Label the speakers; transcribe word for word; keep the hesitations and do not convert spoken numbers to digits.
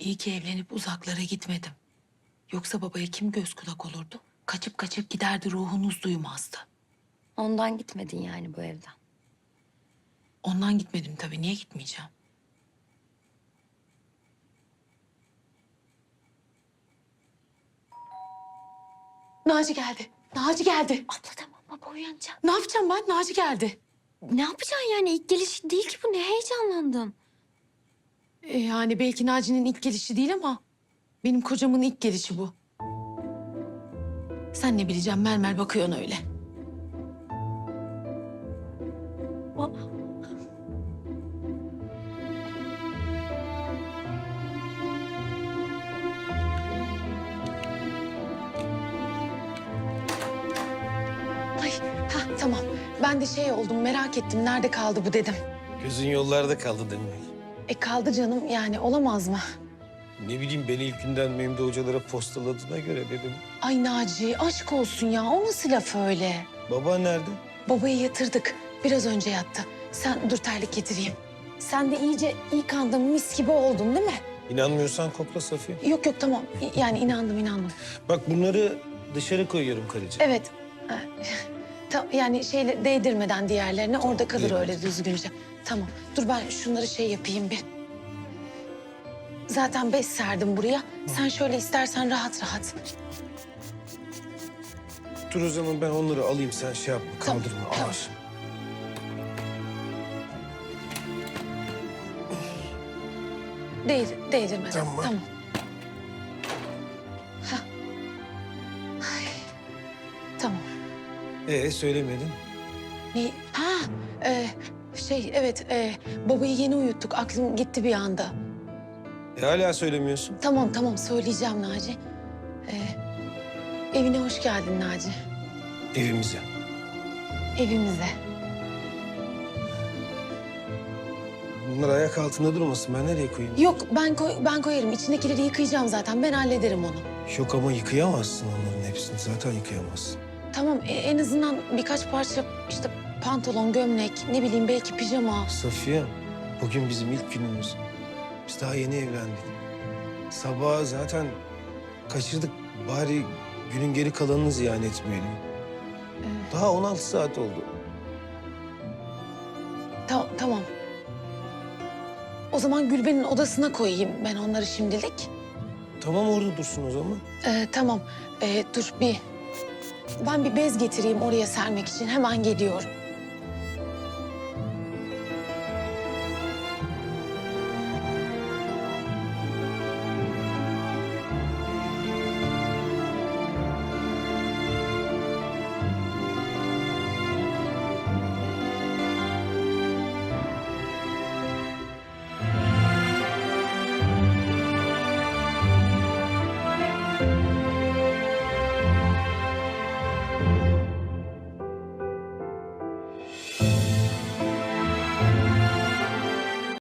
Speaker 1: İyi ki evlenip uzaklara gitmedim. Yoksa babaya kim göz kulak olurdu? Kaçıp kaçıp giderdi, ruhunuz duymazdı.
Speaker 2: Ondan gitmedin yani bu evden.
Speaker 1: Ondan gitmedim tabii. Niye gitmeyeceğim? Naci geldi. Naci geldi.
Speaker 2: Abla tamam, baba uyanacak.
Speaker 1: Ne yapacağım ben? Naci geldi.
Speaker 2: Ne yapacaksın yani? İlk gelişi değil ki bu. Ne heyecanlandın?
Speaker 1: E, yani belki Naci'nin ilk gelişi değil ama benim kocamın ilk gelişi bu. Sen ne bileceksin, mermer bakıyorsun öyle.
Speaker 2: Aa,
Speaker 1: Ay, ha tamam. Ben de şey oldum, merak ettim. Nerede kaldı bu dedim.
Speaker 3: Gözün yollarda kaldı demek.
Speaker 1: E kaldı canım, yani olamaz mı?
Speaker 3: Ne bileyim beni ilk günden Memdu hocalara postaladığına göre dedim.
Speaker 1: Ay Naci, aşk olsun ya. O nasıl laf öyle?
Speaker 3: Baba nerede?
Speaker 1: Babayı yatırdık. Biraz önce yattı. Sen dur, terlik getireyim. Sen de iyice yıkandın, mis gibi oldun değil mi?
Speaker 3: İnanmıyorsan kokla Safiye.
Speaker 1: Yok yok, tamam. İ- Yani inandım, inandım.
Speaker 3: Bak bunları dışarı koyuyorum karıcığım.
Speaker 1: Evet. Ha, ta- yani şeyle değdirmeden diğerlerine orada kalır
Speaker 3: değmez.
Speaker 1: öyle düzgünce. Tamam. Dur ben şunları şey yapayım bir. Zaten bez serdim buraya. Sen şöyle istersen rahat rahat.
Speaker 3: Dur o zaman ben onları alayım sen şey yapma
Speaker 1: Tamam,
Speaker 3: kaldırma
Speaker 1: tamam.
Speaker 3: ağır.
Speaker 1: Değdir, değdirmeden.
Speaker 3: Tamam.
Speaker 1: Tamam. Hah. Ay, tamam.
Speaker 3: Ee söylemedin.
Speaker 1: Ne? Ha, e, şey evet, e, babayı yeni uyuttuk. Aklım gitti bir anda.
Speaker 3: E hala söylemiyorsun.
Speaker 1: Tamam tamam, söyleyeceğim Naci. E, evine hoş geldin Naci.
Speaker 3: Evimize.
Speaker 1: Evimize.
Speaker 3: Bunlar ayak altında durmasın ben nereye koyayım?
Speaker 1: Yok, ben koy, ben koyarım. İçindekileri yıkayacağım zaten. Ben hallederim onu.
Speaker 3: Yok ama yıkayamazsın onların hepsini zaten yıkayamazsın.
Speaker 1: Tamam, e, en azından birkaç parça işte pantolon, gömlek, ne bileyim belki pijama.
Speaker 3: Safiye bugün bizim ilk günümüz. Biz daha yeni evlendik. Sabah zaten kaçırdık. Bari günün geri kalanını ziyan etmeyelim. Daha on altı saat oldu.
Speaker 1: Ta- tamam. O zaman Gülben'in odasına koyayım ben onları şimdilik.
Speaker 3: Tamam orada dursun o zaman.
Speaker 1: Ee, tamam. Ee, dur bir. Ben bir bez getireyim oraya sermek için. Hemen geliyorum.